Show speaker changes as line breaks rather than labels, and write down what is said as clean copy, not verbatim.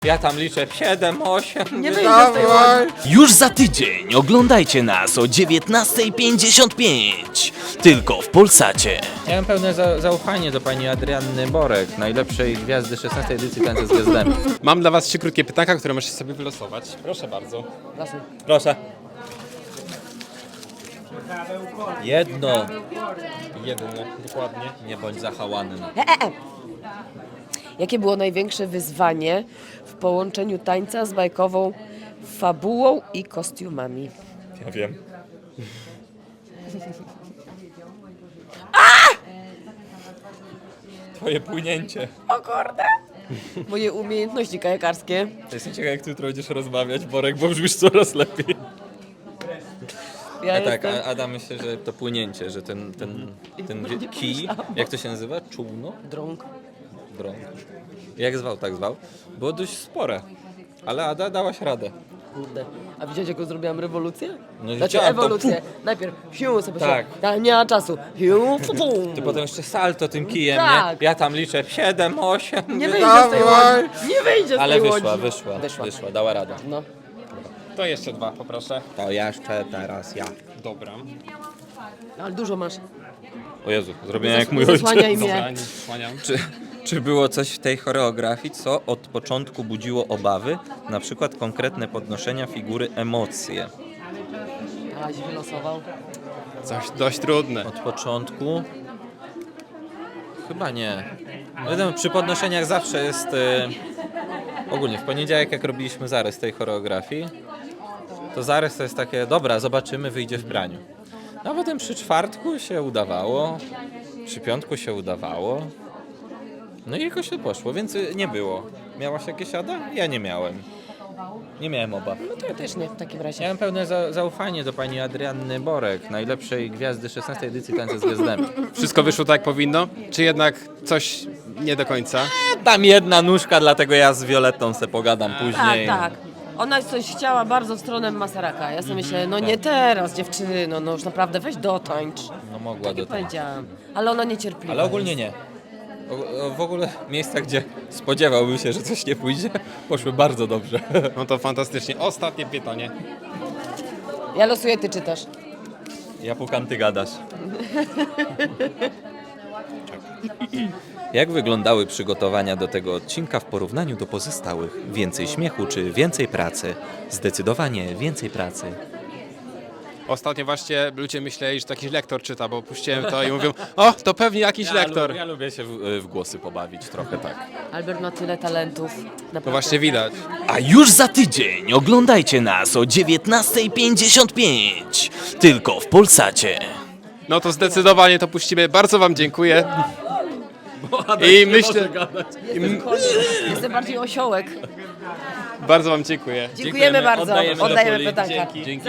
Ja tam liczę 7, 8.
Nie wyjdzie z tej łodzi.
Już za tydzień oglądajcie nas o 19:55. Tylko w Polsacie.
Miałem pełne zaufanie do pani Adrianny Borek, najlepszej gwiazdy 16 edycji Tańca z Gwiazdami.
Mam dla was 3 krótkie pytanka, które możecie sobie wylosować. Proszę bardzo.
Proszę. Jedno.
Jedyne, dokładnie.
Nie bądź zahałany.
Jakie było największe wyzwanie w połączeniu tańca z bajkową fabułą i kostiumami?
Ja wiem. Twoje płynięcie.
O kurde! Moje umiejętności kajakarskie.
Jestem ciekaw, jak ty jutro będziesz rozmawiać, Borek, bo brzmisz coraz lepiej.
Ja
Tak,
jestem...
Ada myślę, że to płynięcie, że ten kij, jak to się nazywa? Czółno?
Drąg.
Drąg. Jak zwał, tak zwał. Było dość spore. Ale Ada dałaś radę.
Kurde. A widziałeś, jaką zrobiłam rewolucję?
No
Znaczy
widziałem to.
ewolucję. Najpierw hiu sobie
Tak.
nie ma czasu. Hiu, pum.
Ty potem jeszcze salto tym kijem,
Tak.
nie? Ja tam liczę 7, 8.
Nie wyjdzie z tej łodzi. Nie wyjdzie z
Ale
tej
wyszła,
łodzi.
wyszła, dała radę.
No.
To jeszcze 2, poproszę.
To jeszcze teraz ja.
Dobra.
Ale dużo masz.
O Jezu, zrobiłem jak mój ojciec.
Zasłaniaj
Dobra,
mnie.
nie zasłaniam.
Czy było coś w tej choreografii, co od początku budziło obawy? Na przykład konkretne podnoszenia figury, emocje.
Aś wylosował.
Coś dość trudne.
Od początku? Chyba nie. Wiadomo, przy podnoszeniach zawsze jest... ogólnie w poniedziałek, jak robiliśmy zarys tej choreografii, to zarys to jest takie, dobra, zobaczymy, wyjdzie w praniu. A potem przy czwartku się udawało, przy piątku się udawało. No i jakoś to poszło, więc nie było. Miałaś jakieś, Ada? Ja nie miałem. Nie miałem obaw.
No to ja też nie w takim razie.
Miałem pełne zaufanie do pani Adrianny Borek, najlepszej gwiazdy 16 edycji Tańca z Gwiazdami.
Wszystko wyszło tak jak powinno? Czy jednak coś nie do końca?
Tam jedna nóżka, dlatego ja z Violettą se pogadam
Tak,
później.
tak. Ona coś chciała bardzo w stronę Masaraka. Ja sobie myślę, no nie teraz, dziewczyno, no już naprawdę weź dotańcz.
No mogła do tego.
Powiedziałam. Ale ona niecierpliwa.
Ale ogólnie nie. W ogóle miejsca, gdzie spodziewałbym się, że coś nie pójdzie, poszły bardzo dobrze.
No to fantastycznie. Ostatnie pytanie.
Ja losuję, ty czytasz.
Ja pukam, ty gadasz. Jak wyglądały przygotowania do tego odcinka w porównaniu do pozostałych? Więcej śmiechu czy więcej pracy? Zdecydowanie więcej pracy.
Ostatnio właśnie ludzie myśleli, że to jakiś lektor czyta, bo puściłem to i mówią, o, to pewnie jakiś lektor.
Ja lubię się w głosy pobawić, trochę tak.
Albert ma tyle talentów. Naprawdę.
To właśnie widać.
A już za tydzień oglądajcie nas o 19:55. Tylko w Polsacie.
No to zdecydowanie to puścimy. Bardzo wam dziękuję. I myślę,
Jestem bardziej osiołek.
bardzo wam dziękuję.
Dziękujemy bardzo.
Oddajemy do
Oddajemy
Poli.
pytanka.
Dzięki.